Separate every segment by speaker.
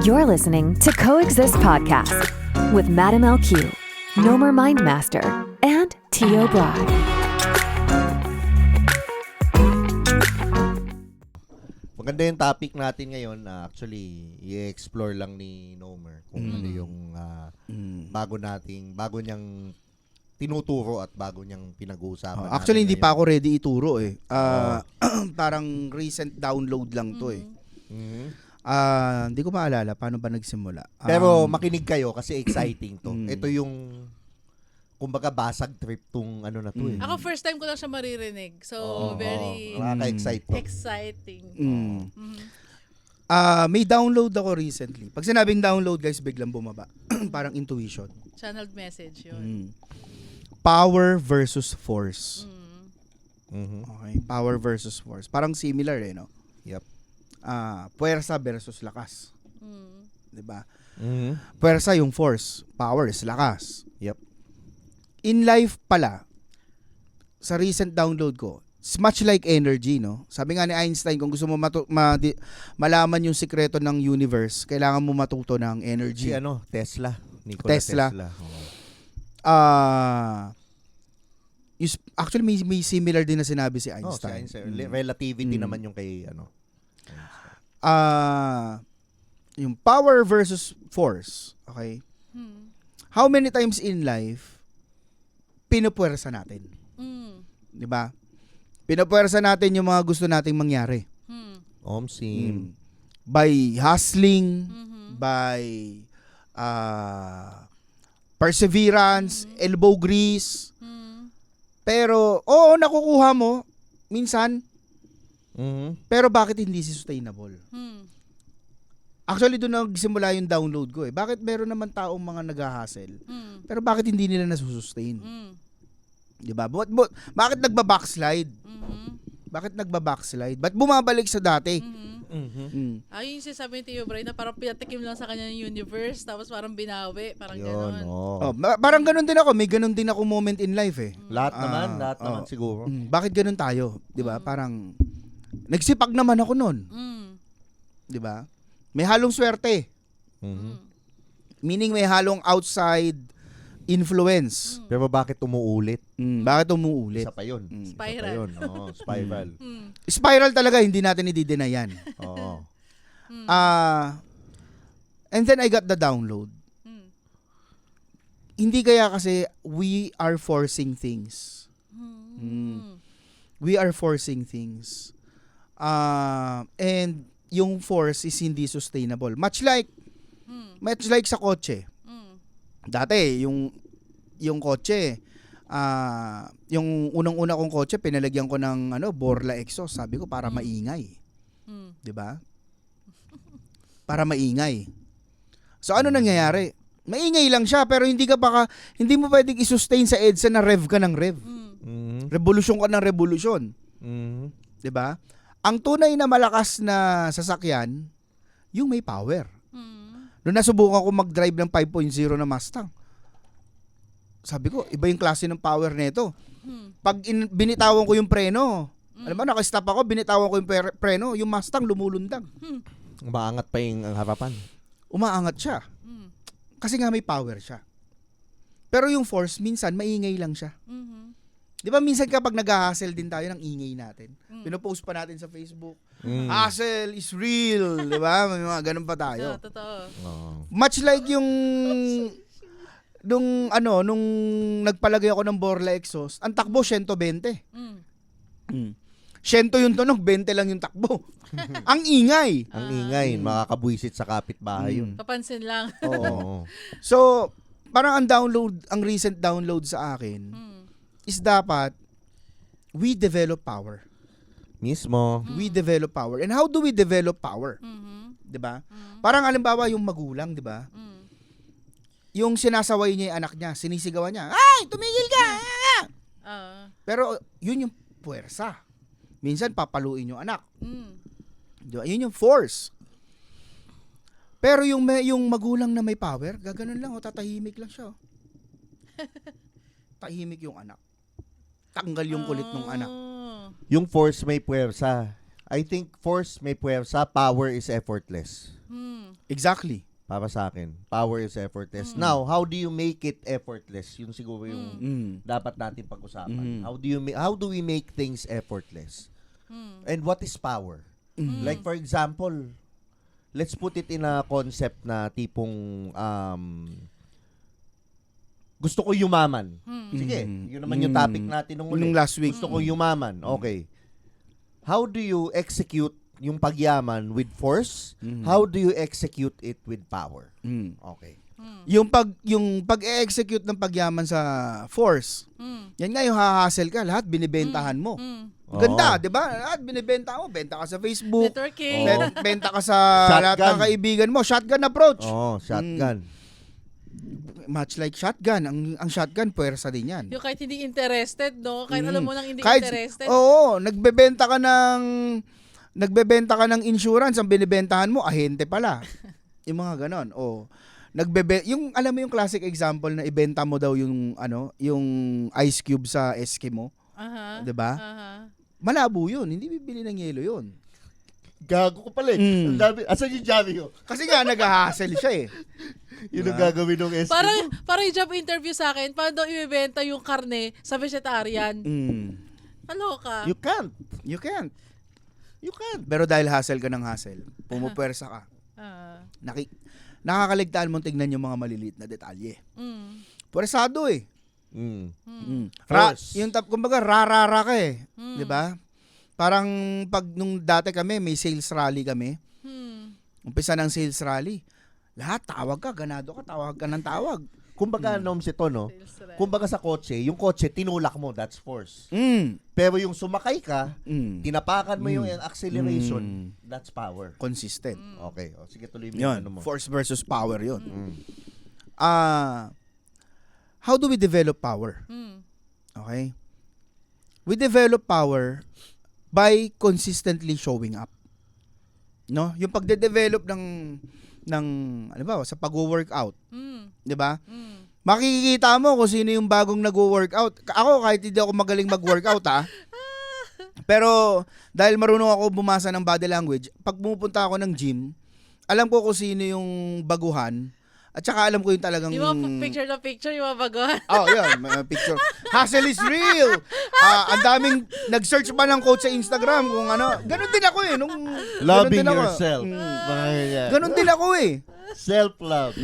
Speaker 1: You're listening to Coexist Podcast with Madam LQ, Nomer Mindmaster, and Tio Brad.
Speaker 2: Maganda yung topic natin ngayon. Actually, i-explore lang ni Nomer kung ano yung bago niyang tinuturo at bago niyang pinag-uusapan.
Speaker 3: Actually, hindi pa ako ready ituro eh. Parang recent download lang to eh. Hindi ko maalala paano ba nagsimula.
Speaker 2: Pero makinig kayo kasi exciting to. Ito yung kumbaga basag trip tong ano na to eh.
Speaker 4: Ako first time ko lang siya maririnig. So, very
Speaker 2: nakaka-excite to.
Speaker 4: exciting.
Speaker 3: May download ako recently. Pag sinabing download, guys, biglang bumaba. Parang intuition.
Speaker 4: Channeled message yun.
Speaker 3: Power versus force.
Speaker 2: Mhm.
Speaker 3: Okay, power versus force. Parang similar eh, no?
Speaker 2: Yep.
Speaker 3: Puwersa versus lakas. 'Di ba?
Speaker 2: Mhm.
Speaker 3: Puwersa yung force, power is lakas.
Speaker 2: Yep.
Speaker 3: In life pala, sa recent download ko, it's much like energy, no? Sabi nga ni Einstein, kung gusto mo malaman yung sikreto ng universe, kailangan mo matuto ng energy.
Speaker 2: Si Tesla. Nikola
Speaker 3: Tesla.
Speaker 2: Oo.
Speaker 3: Actually, may similar din na sinabi si
Speaker 2: Si
Speaker 3: Einstein.
Speaker 2: Einstein. Relativity naman yung kay
Speaker 3: Yung power versus force, okay? How many times in life pinupuwersa natin? 'Di ba? Pinupuwersa natin yung mga gusto nating mangyari.
Speaker 2: Omsim.
Speaker 3: By hustling, by perseverance, elbow grease. Pero, nakukuha mo minsan, pero bakit hindi sustainable? Actually, doon nagsimula yung download ko eh. Bakit meron naman taong mga nag-hustle, pero bakit hindi nila nasusustain? Diba? Bakit nagba-backslide? Bakit nagba-backslide? Ba't bumabalik sa dati?
Speaker 4: Ayun yung sinasabi ni Tio Bray na parang pinatikim lang sa kanya ng universe tapos parang binawi. Parang
Speaker 2: Yun,
Speaker 4: gano'n.
Speaker 3: Parang ganun din ako. May ganun din ako moment in life eh.
Speaker 2: Lahat naman siguro.
Speaker 3: Bakit ganun tayo? Diba? Parang, nagsipag naman ako nun. Diba? May halong swerte. Meaning may halong outside influence.
Speaker 2: Pero bakit umuulit?
Speaker 3: Bakit umuulit?
Speaker 2: Isa pa yun.
Speaker 4: Spiral.
Speaker 2: Isa pa yun. Spiral.
Speaker 3: Spiral talaga, hindi natin i-deny yan.
Speaker 2: Oo.
Speaker 3: And then I got the download. Hindi kaya kasi we are forcing things. We are forcing things. And yung force is hindi sustainable. Much like sa kotse. Dati, yung kotse, yung unang-una kong kotse, pinalagyan ko ng Borla exhaust. Sabi ko, para maingay. 'Di ba? Para maingay. So, ano nangyayari? Maingay lang siya, pero hindi mo pwedeng i-sustain sa EDSA na rev ka ng rev. Revolusyon ka ng revolusyon. 'Di ba? Ang tunay na malakas na sasakyan, yung may power. Noong nasubukan ko mag-drive ng 5.0 na Mustang, sabi ko, iba yung klase ng power nito. Pag binitawan ko yung preno, alam mo, nakastop ako, binitawan ko yung preno, yung Mustang lumulundag.
Speaker 2: Umaangat pa yung harapan.
Speaker 3: Umaangat siya. Kasi nga may power siya. Pero yung force, minsan, maingay lang siya. Di ba minsan kapag nag-hustle din tayo ng ingay natin, pinopost pa natin sa Facebook, hustle is real, di ba? May mga ganun pa tayo.
Speaker 4: Totoo.
Speaker 3: Much like yung nung nagpalagay ako ng Borla exhaust, ang takbo 120. 100 yung tunog, 20 lang yung takbo. Ang ingay.
Speaker 2: Ang ingay, makakabwisit sa kapitbahay yun.
Speaker 4: Papansin lang.
Speaker 2: Oo.
Speaker 3: So, parang ang recent download sa akin is dapat we develop power.
Speaker 2: Mismo.
Speaker 3: We develop power. And how do we develop power? 'Di ba? Parang halimbawa yung magulang, 'di ba? Yung sinasaway niya yung anak niya, sinisigawan niya, "Ay, tumigil ka!" Pero yun yung puwersa. Minsan papaluin yung anak. 'Di ba? Yun yung force. Pero yung magulang na may power, gaganon lang, tatahimik lang siya. Tahimik yung anak. Tanggal yung kulit ng anak.
Speaker 2: Yung force may puwersa. I think force may puwersa, power is effortless.
Speaker 3: Exactly.
Speaker 2: Para sa akin, power is effortless. Now, how do you make it effortless? Yun siguro yung dapat natin pag-usapan. How do we make things effortless? And what is power? Like for example, let's put it in a concept na tipong gusto ko yumaman. Sige, yun naman yung topic natin nung
Speaker 3: Nung last week.
Speaker 2: Gusto ko yumaman. Okay. How do you execute yung pagyaman with force? How do you execute it with power? Okay.
Speaker 3: Yung pag-execute ng pagyaman sa force, yan nga yung hahassle ka, lahat binibentahan mo. Ganda, 'di ba? Lahat binibenta mo, benta ka sa Facebook,
Speaker 4: Networking.
Speaker 3: benta ka sa lahat
Speaker 2: Shotgun.
Speaker 3: ng kaibigan mo, shotgun approach.
Speaker 2: Oh, shotgun.
Speaker 3: Much like shotgun, ang shotgun puwersa din yan.
Speaker 4: Yung kahit hindi interested, no? Kahit alam mo nang hindi
Speaker 3: Kahit-
Speaker 4: interested.
Speaker 3: Oo, nagbebenta ka ng insurance, ang binibentahan mo ahente pala. Yung mga ganon. Oh. Yung alam mo yung classic example na ibenta mo daw yung yung ice cube sa Eskimo,
Speaker 4: Aha.
Speaker 3: 'di ba?
Speaker 4: Aha.
Speaker 3: Malabo 'yun, hindi bibili ng yelo 'yun.
Speaker 2: Gago ko pala eh. Ang dami. Asan yung Javi ko?
Speaker 3: Kasi nga nag-hassle siya eh.
Speaker 2: Yun ang gagawin ng SQ.
Speaker 4: Parang yung job interview sa akin, paano daw ibebenta yung karne sa vegetarian? Kaloka.
Speaker 2: You can't.
Speaker 3: You can't.
Speaker 2: You can't.
Speaker 3: Pero dahil hassle ka ng hassle, pumupwersa ka. Nakakaligtaan mong tignan yung mga maliliit na detalye. Pwersado eh.
Speaker 2: Force.
Speaker 3: Kumbaga rarara ka eh. 'Di ba? Parang pag nung dati kami, may sales rally kami. Umpisa ng sales rally. Lahat tawag ka, ganado ka, tawag ka ng tawag.
Speaker 2: Kumbaga, Noms, ito, no? Kumbaga sa kotse, yung kotse, tinulak mo, that's force. Pero yung sumakay ka, tinapakan mo yung acceleration, that's power.
Speaker 3: Consistent.
Speaker 2: Okay. O, sige, tuloy mo
Speaker 3: Yun,
Speaker 2: yung ano mo.
Speaker 3: force versus power yun. How do we develop power? Okay? We develop power by consistently showing up. No? Yung pagde-develop ng ano ba, sa pag-workout. 'Di ba? Makikita mo kung sino yung bagong nag-workout. Ako kahit hindi ako magaling mag-workout pero dahil marunong ako bumasa ng body language, pag pumupunta ako ng gym, alam ko kung sino yung baguhan. At saka alam ko yung talagang...
Speaker 4: Yung mga picture na picture, yung mga baguhan.
Speaker 3: Oh, yun. May picture. Hustle is real. Ang daming nag-search pa ng quote sa Instagram kung ano. Ganon din ako eh.
Speaker 2: Loving yourself.
Speaker 3: Ganon din ako eh.
Speaker 2: Self-love.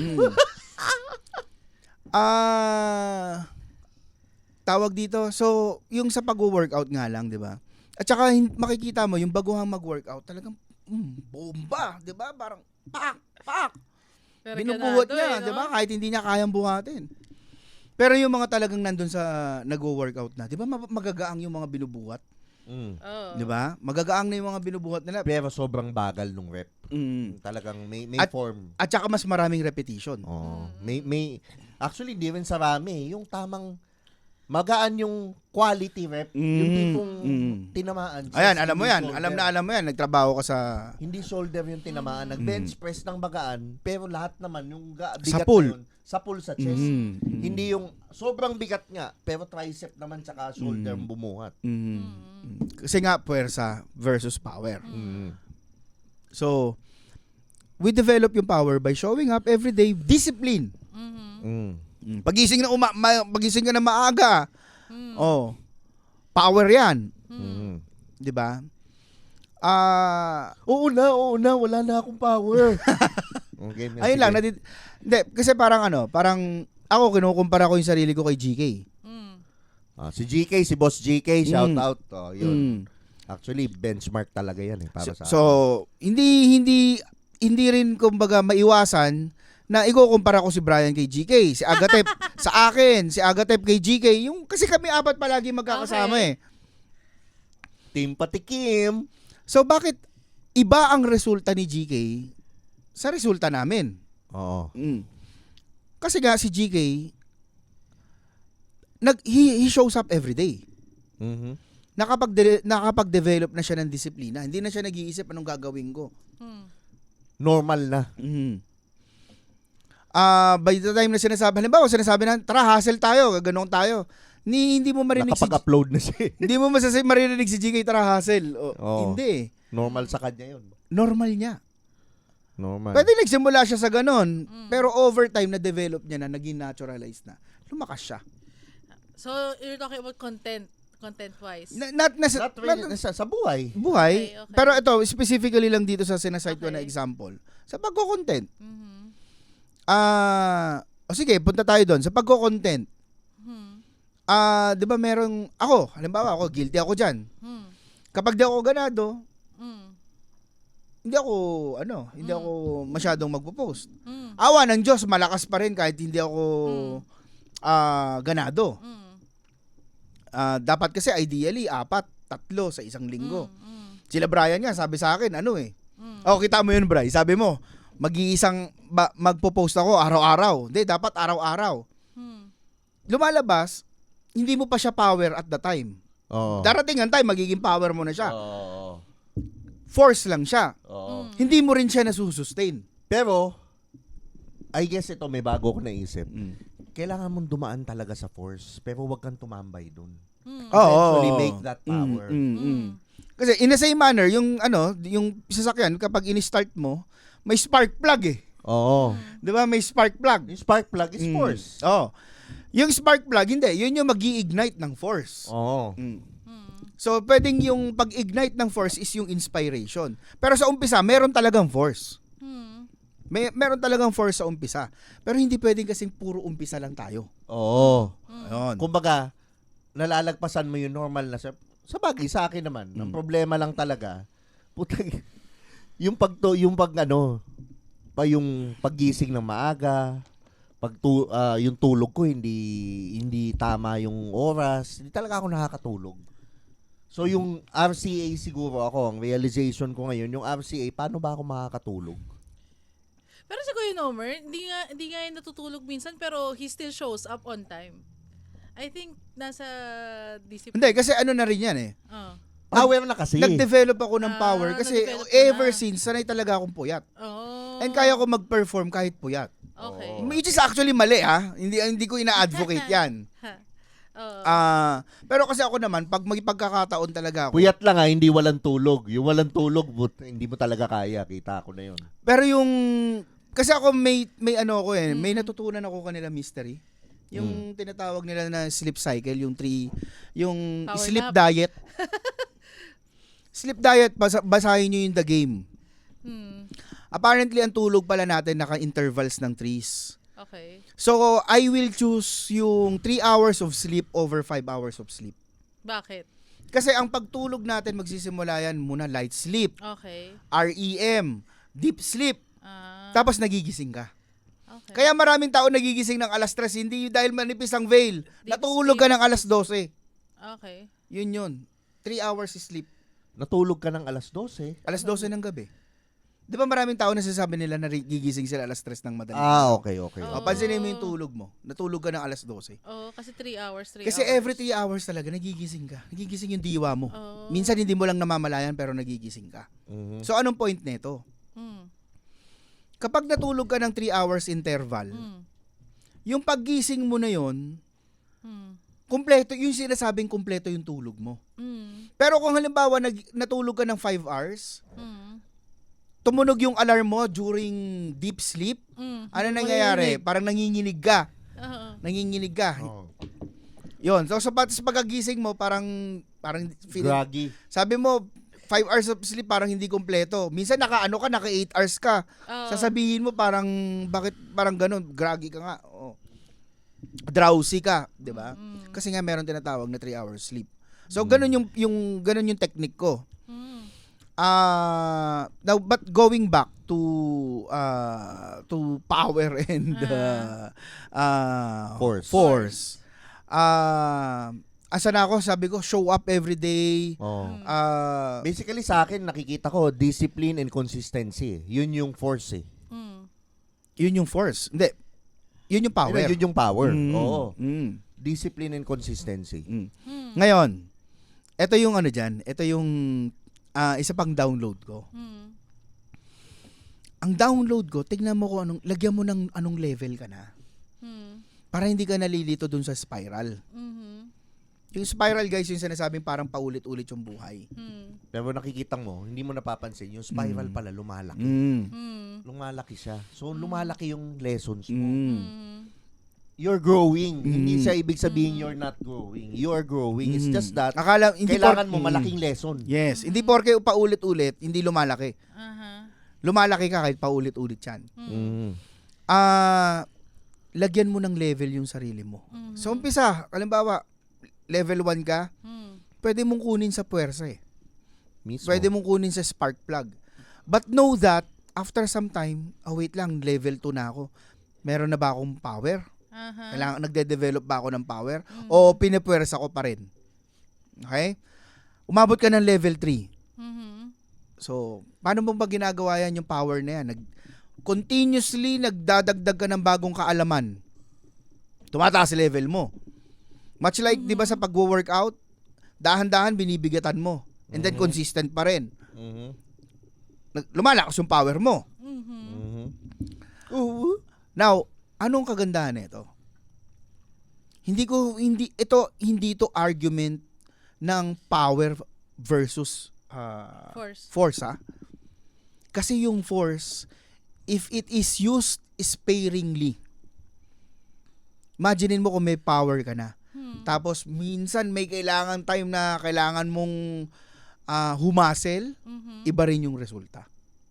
Speaker 3: Tawag dito. So, yung sa pag-workout nga lang, di ba? At saka makikita mo, yung baguhang mag-workout, talagang bomba. Di ba? Parang pak. Binubuhat niya,
Speaker 4: no?
Speaker 3: 'di ba? Kahit hindi niya kayang buhatin. Pero yung mga talagang nandun sa nagwo-workout na, 'di ba? Magagaang yung mga binubuhat.
Speaker 4: Oh.
Speaker 3: 'Di ba? Magagaang na yung mga binubuhat nila.
Speaker 2: Pero sobrang bagal nung rep. Talagang may form.
Speaker 3: At saka mas maraming repetition.
Speaker 2: Oh, may actually hindi rin sa rami, yung tamang magaan yung quality rep, yung tipong tinamaan.
Speaker 3: Ayan, alam mo yan. Alam mo yan. Nagtrabaho ka sa...
Speaker 2: Hindi shoulder yung tinamaan. Nag-bench press ng magaan, pero lahat naman, yung bigat
Speaker 3: pull.
Speaker 2: na yun, sa pull sa chest. Hindi yung sobrang bigat nga, pero tricep naman tsaka shoulder bumuhat.
Speaker 3: Kasi nga, puwersa versus power. So, we develop yung power by showing up every day, discipline. Pagising ka na maaga. Oh. Power 'yan. 'Di ba?
Speaker 2: Oo na, wala na akong power. Okay,
Speaker 3: ayun lang, hindi kasi parang ako kinukumpara ko yung sarili ko kay GK.
Speaker 2: Si GK, si Boss GK, shout out. Oh, yun. Actually, benchmark talaga yan para sa
Speaker 3: So, hindi rin kumbaga maiwasan na ikukumpara ko si Brian kay GK, si Agatep sa akin, si Agatep kay GK, yung kasi kami apat palagi magkakasama eh.
Speaker 2: Team Patikim.
Speaker 3: So bakit iba ang resulta ni GK sa resulta namin?
Speaker 2: Oo.
Speaker 3: Kasi nga si GK he shows up every day. Nakapag-develop na siya ng disiplina. Hindi na siya nag-iisip anong gagawin ko.
Speaker 2: Normal na.
Speaker 3: By the time na sinasabi na, tara, hustle tayo, gaganong tayo. Hindi mo marinig
Speaker 2: Nakapag-upload na siya.
Speaker 3: Hindi mo marinig si GK, tara, hustle.
Speaker 2: Oo.
Speaker 3: Hindi.
Speaker 2: Normal sa kanya yun.
Speaker 3: Normal niya.
Speaker 2: Normal.
Speaker 3: Pwede nagsimula siya sa ganun. Pero over time, na-develop niya na, naging naturalized na. Lumakas siya.
Speaker 4: So, you're talking about content-wise.
Speaker 3: Not
Speaker 2: Not really, sa buhay.
Speaker 3: buhay.
Speaker 4: Okay.
Speaker 3: Pero ito, specifically lang dito sa sinasite ko na example. Sa pagko-content. Sige, punta tayo doon. Sa pagko-content. 'Di ba merong, halimbawa ako, guilty ako dyan. Kapag di ako ganado, hindi ako masyadong magpo-post. Awa ng Diyos, malakas pa rin kahit hindi ako ganado. Dapat kasi ideally 4, 3 sa isang linggo. Sila Brian nga sabi sa akin, kita mo yun, Bri. Sabi mo, magpo-post ako araw-araw. Hindi, dapat araw-araw. Lumalabas, hindi mo pa siya power at the time.
Speaker 2: Oo.
Speaker 3: Darating ang time, magiging power mo na siya.
Speaker 2: Oo.
Speaker 3: Force lang siya.
Speaker 2: Oo.
Speaker 3: Hindi mo rin siya nasusustain.
Speaker 2: Pero, I guess ito, may bago ko naisip. Kailangan mong dumaan talaga sa force, pero wag kang tumambay dun. Eventually make that power.
Speaker 3: Kasi in the same manner, yung sasakyan, kapag in-start mo, may spark plug eh.
Speaker 2: Oo.
Speaker 3: Di ba? May spark plug.
Speaker 2: Yung spark plug is force.
Speaker 3: Yung spark plug, hindi. Yun yung mag-i-ignite ng force.
Speaker 2: Oo.
Speaker 3: So, pwedeng yung pag-ignite ng force is yung inspiration. Pero sa umpisa, meron talagang force. Meron talagang force sa umpisa. Pero hindi pwedeng kasing puro umpisa lang tayo.
Speaker 2: Oo.
Speaker 3: Ayun.
Speaker 2: Kumbaga, nalalagpasan mo yung normal na sa bagay sa akin naman. Ang problema lang talaga, putang yung yung paggising ng maaga, yung tulog ko hindi tama yung oras, hindi talaga ako nakakatulog. So yung RCA siguro ang realization ko ngayon, yung RCA, paano ba ako makakatulog?
Speaker 4: Pero si Kuya Nomer, hindi nga yung natutulog minsan, pero he still shows up on time. I think nasa discipline.
Speaker 3: Hindi, kasi na rin yan eh.
Speaker 2: Power na kasi.
Speaker 3: Nag-develop ako ng power kasi
Speaker 4: nag-develop ka
Speaker 3: ever
Speaker 4: na.
Speaker 3: since, sanay talaga akong puyat.
Speaker 4: Oh.
Speaker 3: And kaya ko mag-perform kahit puyat.
Speaker 4: Okay.
Speaker 3: Which is actually mali Hindi ko ina-advocate yan. Pero kasi ako naman, pag may pagkakataon talaga ako.
Speaker 2: Puyat lang hindi walang tulog. Yung walang tulog, hindi mo talaga kaya. Kita ko na yun.
Speaker 3: Pero kasi ako may may natutunan ako kanila mystery. Yung tinatawag nila na sleep cycle, yung
Speaker 4: Power
Speaker 3: sleep
Speaker 4: nap.
Speaker 3: diet. Sleep diet, basahin nyo yung The Game. Apparently, ang tulog pala natin naka-intervals ng 3s.
Speaker 4: Okay.
Speaker 3: So, I will choose yung 3 hours of sleep over 5 hours of sleep.
Speaker 4: Bakit?
Speaker 3: Kasi ang pagtulog natin, magsisimula yan muna light sleep,
Speaker 4: Okay.
Speaker 3: REM, deep sleep, tapos nagigising ka.
Speaker 4: Okay.
Speaker 3: Kaya maraming tao nagigising ng alas 3, hindi dahil manipis ang veil.
Speaker 4: Deep
Speaker 3: Natulog
Speaker 4: sleep.
Speaker 3: ka ng alas 12.
Speaker 4: Okay.
Speaker 3: Yun. 3 hours sleep.
Speaker 2: Natulog ka ng alas 12.
Speaker 3: Alas 12 ng gabi. Di ba maraming tao nasasabi nila na gigising sila alas 3 ng madaling
Speaker 2: Okay.
Speaker 3: pansinin mo yung tulog mo. Natulog ka ng alas 12.
Speaker 4: Oh, kasi 3 hours, 3
Speaker 3: Kasi
Speaker 4: hours.
Speaker 3: every 3 hours talaga nagigising ka. Nagigising yung diwa mo.
Speaker 4: Oh.
Speaker 3: Minsan hindi mo lang namamalayan pero nagigising ka.
Speaker 2: Mhm.
Speaker 3: So anong point nito? Kapag natulog ka ng 3 hours interval, yung paggising mo na yon, kumpleto, yung sinasabing kumpleto yung tulog mo. Pero kung halimbawa natulog ka ng 5 hours, tumunog yung alarm mo during deep sleep, ano nangyayari? Parang nanginginig ka. Nanginginig ka. Yun. So sa pagkagising mo, parang feeling,
Speaker 2: Groggy.
Speaker 3: sabi mo, 5 hours of sleep parang hindi kompleto. Minsan naka 8 hours ka. Sasabihin mo bakit parang ganun, groggy ka nga. Drowsy ka, 'di ba? Kasi nga meron tinatawag na 3 hours sleep. So ganun yung technique ko. Now but going back to power and force. Asa na ako, sabi ko, show up every day.
Speaker 2: Basically sa akin, nakikita ko, discipline and consistency. Yun yung force eh.
Speaker 3: Yun yung force. Hindi. Yun yung power.
Speaker 2: Yun yung power. Oo.
Speaker 3: Mm.
Speaker 2: Discipline and consistency.
Speaker 3: Ngayon, ito yung dyan. Ito yung isa pang download ko. Ang download ko, tignan mo kung lagyan mo ng anong level ka na. Para hindi ka nalilito dun sa spiral. Yung spiral, guys, yung sinasabing parang paulit-ulit yung buhay.
Speaker 2: Pero nakikita mo, hindi mo napapansin, yung spiral pala lumalaki. Lumalaki siya. So, lumalaki yung lessons mo. You're growing. Hindi siya ibig sabihin you're not growing. You are growing. It's just that, kailangan mo malaking lesson.
Speaker 3: Yes. Hindi porke paulit-ulit, hindi lumalaki. Lumalaki ka kahit paulit-ulit yan. Lagyan mo ng level yung sarili mo. So, umpisa, halimbawa, level 1 ka, pwede mong kunin sa puwersa eh.
Speaker 2: Mismo.
Speaker 3: Pwede mong kunin sa spark plug. But know that, after some time, wait lang, level 2 na ako. Meron na ba akong power? Kailangan, nagde-develop ba ako ng power? O pinipuwersa ko pa rin? Okay? Umabot ka ng level 3. So, paano mo ba ginagawa yan yung power na yan? Continuously, nagdadagdag ka ng bagong kaalaman. Tumataas level mo. Much like, di ba sa pag-workout, dahan-dahan binibigatan mo. And then consistent pa rin. Lumalakas yung power mo. Now, anong kagandahan nito? Hindi ito argument ng power versus force ha? Kasi yung force, if it is used sparingly, imaginein mo kung may power ka na. Tapos minsan may kailangan time na kailangan mong humasel, iba rin yung resulta.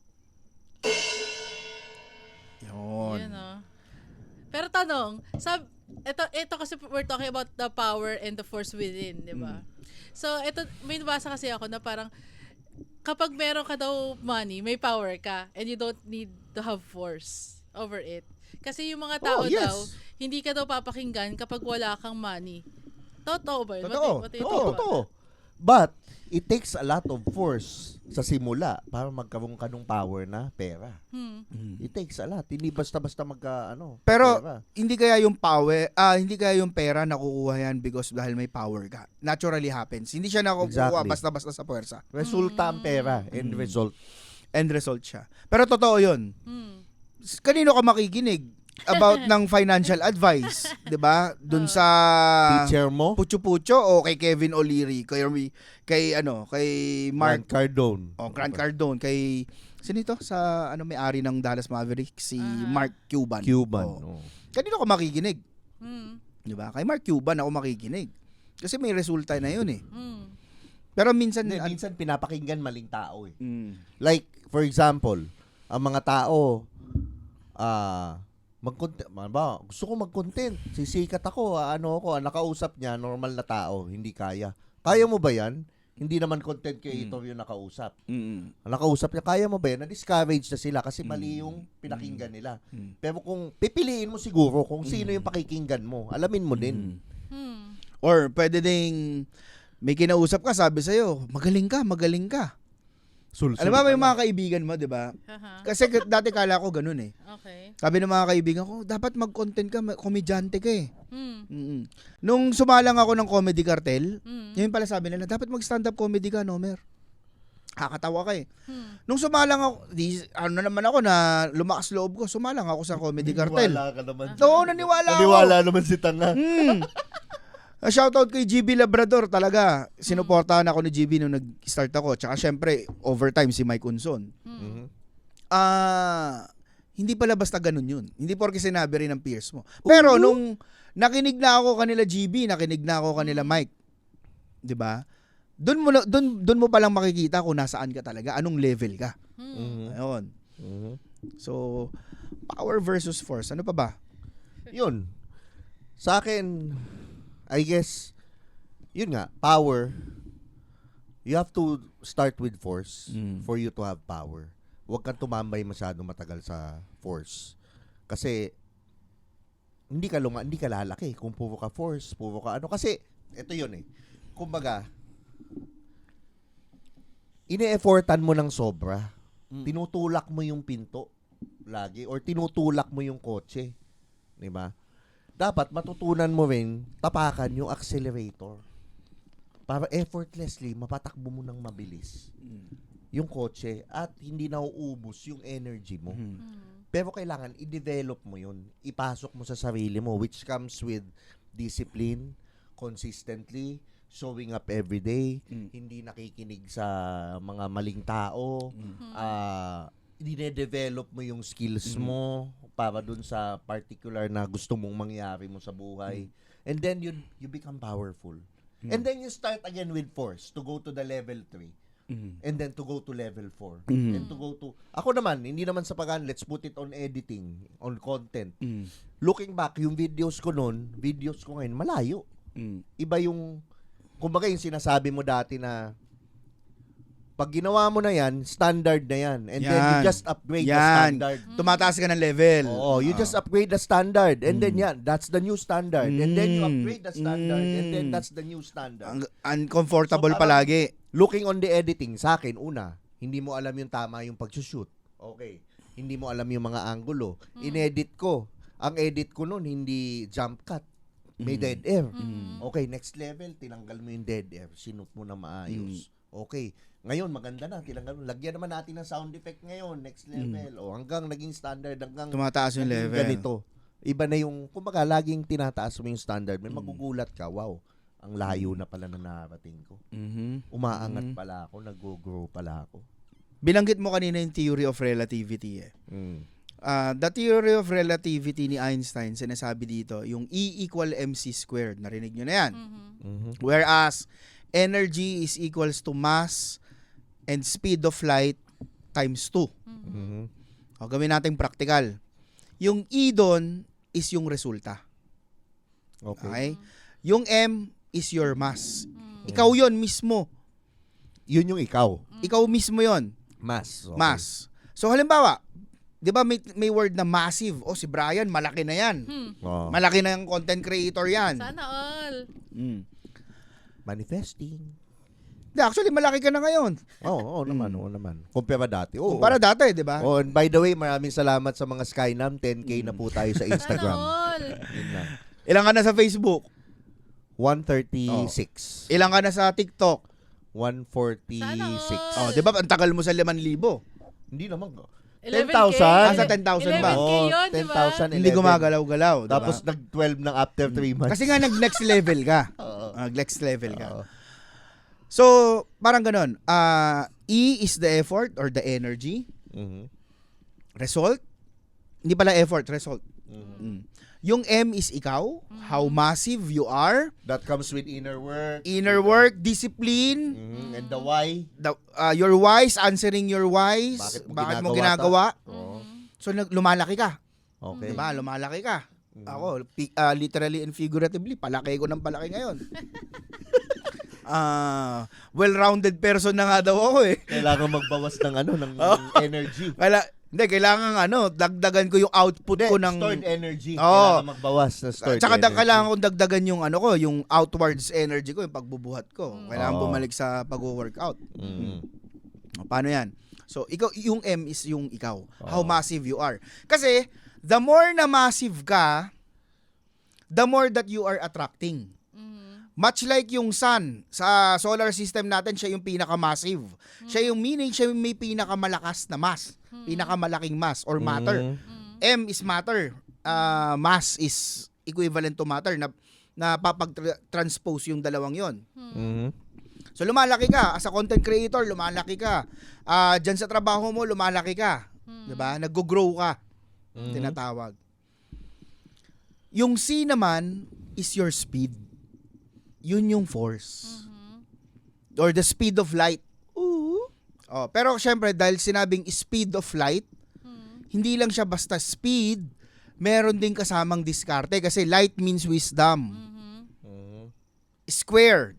Speaker 3: Yun.
Speaker 4: Pero tanong, ito kasi we're talking about the power and the force within, di ba? So, ito, may nabasa kasi ako na parang kapag meron ka daw money, may power ka, and you don't need to have force over it. Kasi yung mga tao daw, hindi ka daw papakinggan kapag wala kang money. Totoo ba yun?
Speaker 2: Totoo. But, it takes a lot of force sa simula para magkaroon ka ng power na pera. It takes a lot. Hindi basta-basta
Speaker 3: Pero,
Speaker 2: pera.
Speaker 3: hindi kaya yung power, hindi kaya yung pera nakukuha yan because dahil may power ka. Naturally happens. Hindi siya nakukuha basta-basta sa puwersa.
Speaker 2: Resulta ang pera. End result.
Speaker 3: End result siya. Pero totoo yun. Kanino ka makikinig about ng financial advice, 'di ba? Doon sa
Speaker 2: Teacher mo?
Speaker 3: Pucho-pucho o kay Kevin O'Leary, kay Mark
Speaker 2: Grant Cardone.
Speaker 3: Grant Cardone, kay sino ito sa may-ari ng Dallas Mavericks, si Mark Cuban. Kanino ka makikinig? 'Di ba? Kay Mark Cuban ako makikinig. Kasi may resulta na 'yun eh. Pero minsan
Speaker 2: pinapakinggan maling tao eh. Like for example, ang mga tao gusto ko mag-content. Sisikat ako, nakausap niya, normal na tao, hindi kaya. Kaya mo ba yan? Hindi naman content creator yung nakausap. Nakausap niya, kaya mo ba yan? Na-discourage na sila kasi mali yung pinakinggan nila. Pero kung pipiliin mo siguro kung sino yung pakikinggan mo, alamin mo din.
Speaker 3: Or pwede ding may kinausap ka, sabi sa'yo, magaling ka. Alam mo, may mga kaibigan mo, di ba? Kasi dati kala ko ganun eh.
Speaker 4: Okay.
Speaker 3: Sabi ng mga kaibigan ko, dapat mag-content ka, komedyante ka eh. Nung sumalang ako ng Comedy Cartel, yun pala sabi nila, dapat mag-stand-up comedy ka, Nomer. Kakatawa ka eh. Nung sumalang ako, naman ako na lumakas loob ko, sumalang ako sa Comedy Cartel.
Speaker 2: Naniwala ka naman.
Speaker 3: Oo, naniwala ako.
Speaker 2: Naniwala naman si Tanga.
Speaker 3: Shoutout kay GB Labrador talaga. Sinuportahan ako ni GB nung nag-start ako. Tsaka syempre, overtime si Mike Unson. Hindi pala basta ganun yun. Hindi porke sinabi rin ng peers mo. Pero nung nakinig na ako kanila GB, nakinig na ako kanila Mike, 'di ba? Doon mo pa lang makikita kung nasaan ka talaga, anong level ka. Ayun. So, power versus force. Ano pa ba?
Speaker 2: Yun. Sa akin, I guess, yun nga, power, you have to start with force for you to have power. Huwag kang tumambay masyado matagal sa force. Kasi, hindi ka lalaki kung puro ka force, puro ka Kasi, ito yun eh. Kumbaga, ine-effortan mo ng sobra. Tinutulak mo yung pinto lagi or tinutulak mo yung kotse. Diba? Dapat matutunan mo rin tapakan yung accelerator para effortlessly mapatakbo mo ng mabilis yung kotse at hindi nauubos yung energy mo. Pero kailangan i-develop mo yun. Ipasok mo sa sarili mo which comes with discipline, consistently, showing up every day, hindi nakikinig sa mga maling tao, dine-develop mo yung skills mo para dun sa particular na gusto mong mangyari mo sa buhay. And then you become powerful. And then you start again with force to go to the level 3. And then to go to level 4. And to go to... Ako naman, hindi naman sa let's put it on editing, on content. Looking back, yung videos ko ngayon, malayo. Iba yung... Kumbaga yung sinasabi mo dati na pag ginawa mo na yan, standard na yan. And then you just upgrade the standard.
Speaker 3: Tumataas ka ng level.
Speaker 2: Oo, you just upgrade the standard. And then that's the new standard. And then you upgrade the standard. And then that's the new standard.
Speaker 3: Uncomfortable
Speaker 2: So, parang-
Speaker 3: palagi.
Speaker 2: Looking on the editing, sa akin, una, hindi mo alam yung tama yung pag-shoot. Okay. Hindi mo alam yung mga angulo. In-edit ko. Ang edit ko nun, hindi jump cut. May dead air. Okay, next level, tinanggal mo yung dead air. Sinut mo na maayos. Okay. Ngayon, maganda na. Tinanggal mo. Lagyan naman natin ng sound effect ngayon. Next level. O hanggang naging standard. Hanggang
Speaker 3: Tumataas yung
Speaker 2: naging
Speaker 3: level.
Speaker 2: ganito. Iba na yung, kumbaga, laging tinataas mo yung standard. May magugulat ka. Wow. Ang layo na pala na narating ko. Umaangat pala ako. Nag-grow pala ako.
Speaker 3: Binanggit mo kanina yung theory of relativity eh. The theory of relativity ni Einstein, sinasabi dito, yung E equal mc squared. Narinig nyo na yan. Whereas, energy is equals to mass and speed of light times 2. O, gawin natin practical. Yung E doon is yung resulta. Okay? Yung M is your mass. Ikaw yon mismo.
Speaker 2: Yun yung ikaw.
Speaker 3: Ikaw mismo yon.
Speaker 2: Mass. Okay.
Speaker 3: Mass. So halimbawa, 'di ba may word na massive? Oh, si Brian, malaki na 'yan.
Speaker 2: Oh.
Speaker 3: Malaki na yung content creator 'yan.
Speaker 4: Sana all.
Speaker 2: Manifesting.
Speaker 3: Actually, malaki ka na ngayon.
Speaker 2: Oo naman. Kumpara dati.
Speaker 3: Kumpara dati, 'di ba?
Speaker 2: Oh, and by the way, maraming salamat sa mga Skynam. 10K na po tayo sa
Speaker 4: Sana
Speaker 2: Instagram.
Speaker 4: all.
Speaker 2: Yun na.
Speaker 3: Ilang ka na sa Facebook?
Speaker 2: 136.
Speaker 3: Ilang ka na sa TikTok?
Speaker 2: 146.
Speaker 4: Sana
Speaker 3: Oh, 'di ba? Ang tagal mo sa 5,000.
Speaker 2: Hindi naman.
Speaker 4: 11K.
Speaker 2: 10,000?
Speaker 3: Sa 10,000 ba?
Speaker 4: 11K yun, di ba?
Speaker 2: 10,000.
Speaker 3: Hindi gumagalaw-galaw, 'di ba?
Speaker 2: Tapos nag-12 ng after 3 months.
Speaker 3: Kasi nga nag-next level ka. Next level ka. So, parang ganun. E is the effort or the energy. Result? Hindi pala effort, result. Yung M is ikaw, how massive you are.
Speaker 2: That comes with inner work.
Speaker 3: Inner work, discipline.
Speaker 2: And the why.
Speaker 3: Your whys, answering your whys.
Speaker 2: Bakit
Speaker 3: Bakit mo ginagawa?
Speaker 2: Oo.
Speaker 3: So, lumalaki ka.
Speaker 2: Okay.
Speaker 3: Diba? Lumalaki ka. Ako, literally and figuratively, palaki ko ng palaki ngayon. Well-rounded person na nga daw ako eh.
Speaker 2: Kailangan magbawas ng ng energy.
Speaker 3: Kailangan dagdagan ko yung output ko ng
Speaker 2: stored energy.
Speaker 3: Oo.
Speaker 2: Kailangan magbawas ng stored
Speaker 3: Tsaka
Speaker 2: energy.
Speaker 3: kailangan kong dagdagan yung yung outwards energy ko, yung pagbubuhat ko. Kailangan
Speaker 2: Oo.
Speaker 3: bumalik sa pag-workout. Paano yan? So, yung M is yung ikaw. How massive you are. Kasi, the more na massive ka, the more that you are attracting. Much like yung sun, sa solar system natin, siya yung pinaka-massive. Siya yung may pinakamalakas na mass. Pinakamalaking mass or matter. M is matter. Mass is equivalent to matter na papag-transpose yung dalawang yon. So lumalaki ka. As a content creator, lumalaki ka. Diyan sa trabaho mo, lumalaki ka. Diba? Nag-grow ka. Tinatawag. Yung C naman is your speed. Yun yung force. Or the speed of light. Pero syempre, dahil sinabing speed of light, hindi lang siya basta speed, meron din kasamang diskarte kasi light means wisdom. Squared.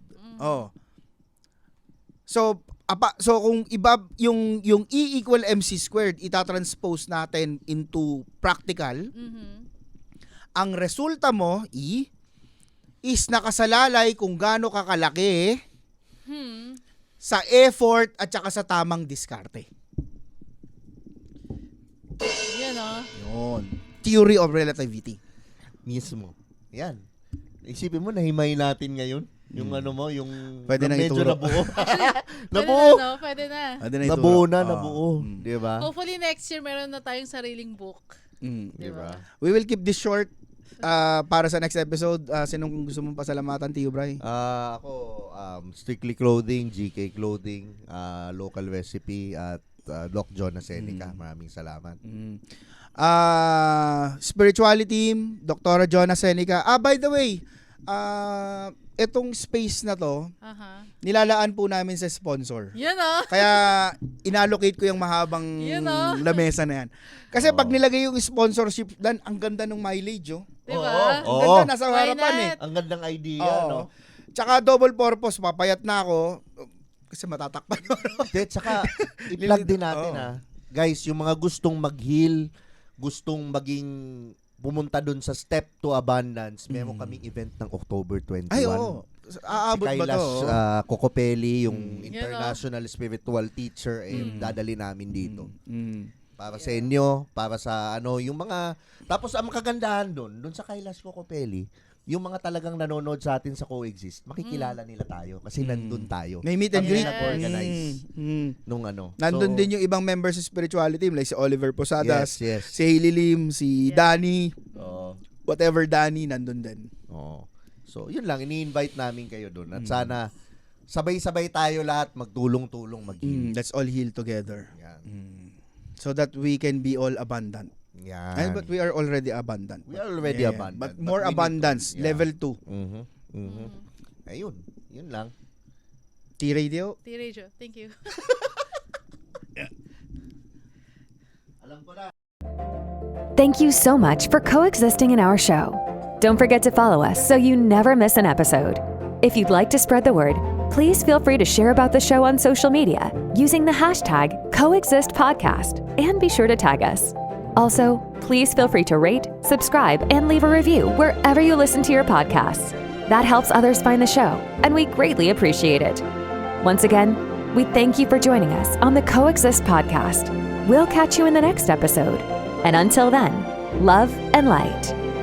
Speaker 3: So kung iba yung E equal mc squared, itatranspose natin into practical. Ang resulta mo, E, is nakasalalay kung gaano kakalaki sa effort at saka sa tamang diskarte.
Speaker 4: Yan
Speaker 3: Yun. Theory of relativity.
Speaker 2: Mismo. Yan. Isipin mo, nahimay natin ngayon. Yung yung
Speaker 3: Pwede nang
Speaker 2: medyo
Speaker 3: ituro.
Speaker 2: nabuo.
Speaker 4: Nabuo. Pwede na.
Speaker 2: Nabuo na, nabuo. Di ba?
Speaker 4: Hopefully next year meron na tayong sariling book.
Speaker 2: Di ba?
Speaker 3: We will keep this short. Para sa next episode, sinong gusto mong pasalamatan, Tio Bray?
Speaker 2: Ako, Strictly Clothing, GK Clothing, Local Recipe, at Doc John Seneca. Maraming salamat.
Speaker 3: Spirituality Team, Dr. Jonah Seneca. By the way, itong space na to, nilalaan po namin sa sponsor.
Speaker 4: Yan oh.
Speaker 3: Kaya inallocate ko yung mahabang
Speaker 4: Yun, oh.
Speaker 3: lamesa na yan. Kasi pag nilagay yung sponsorship, dan ang ganda ng mileage, oh.
Speaker 4: Diba?
Speaker 3: Ang ganda, nasa
Speaker 4: Why
Speaker 3: harapan
Speaker 4: not?
Speaker 3: eh.
Speaker 2: Ang gandang idea,
Speaker 3: Oo.
Speaker 2: no?
Speaker 3: Tsaka double purpose, papayat na ako. Kasi matatakpan ko.
Speaker 2: Tsaka, i-plug din natin,
Speaker 3: Oo.
Speaker 2: Guys, yung mga gustong mag-heal, gustong maging pumunta dun sa Step to Abundance, meron kaming event ng October 21.
Speaker 3: Ay, oo. Aabot
Speaker 2: Si
Speaker 3: ba to?
Speaker 2: Kailash Kokopelli, yung
Speaker 4: Yan,
Speaker 2: international spiritual teacher, dadali namin dito.
Speaker 3: Mm.
Speaker 2: Para sa inyo, para sa yung mga... Tapos ang kagandahan dun sa Kailash Kokopelli, yung mga talagang nanonood sa atin sa Coexist, makikilala nila tayo kasi nandun tayo.
Speaker 3: May meet and
Speaker 2: Kami
Speaker 3: greet.
Speaker 2: nag-organize nung
Speaker 3: Nandun
Speaker 2: So,
Speaker 3: din yung ibang members sa spirituality team, like si Oliver Posadas,
Speaker 2: Yes.
Speaker 3: si Hailey Lim, si Danny,
Speaker 2: Oo.
Speaker 3: whatever Danny, nandun din.
Speaker 2: Oo. So, yun lang, ini-invite namin kayo doon. At sana sabay-sabay tayo lahat magtulong-tulong mag-heal.
Speaker 3: Let's all heal together.
Speaker 2: Yan.
Speaker 3: So that we can be all abundant.
Speaker 2: Yan.
Speaker 3: But we are already abundant.
Speaker 2: We are already abundant.
Speaker 3: But more
Speaker 2: we need
Speaker 3: abundance,
Speaker 2: to- yeah.
Speaker 3: level 2.
Speaker 2: Ayun. Yun lang.
Speaker 3: T-Radio.
Speaker 4: T-Radio. Thank you.
Speaker 2: Alam ko na.
Speaker 1: Thank you so much for coexisting in our show. Don't forget to follow us so you never miss an episode. If you'd like to spread the word, please feel free to share about the show on social media using the hashtag #CoexistPodcast and be sure to tag us. Also, please feel free to rate, subscribe, and leave a review wherever you listen to your podcasts. That helps others find the show, and we greatly appreciate it. Once again, we thank you for joining us on the Coexist Podcast. We'll catch you in the next episode. And until then, love and light.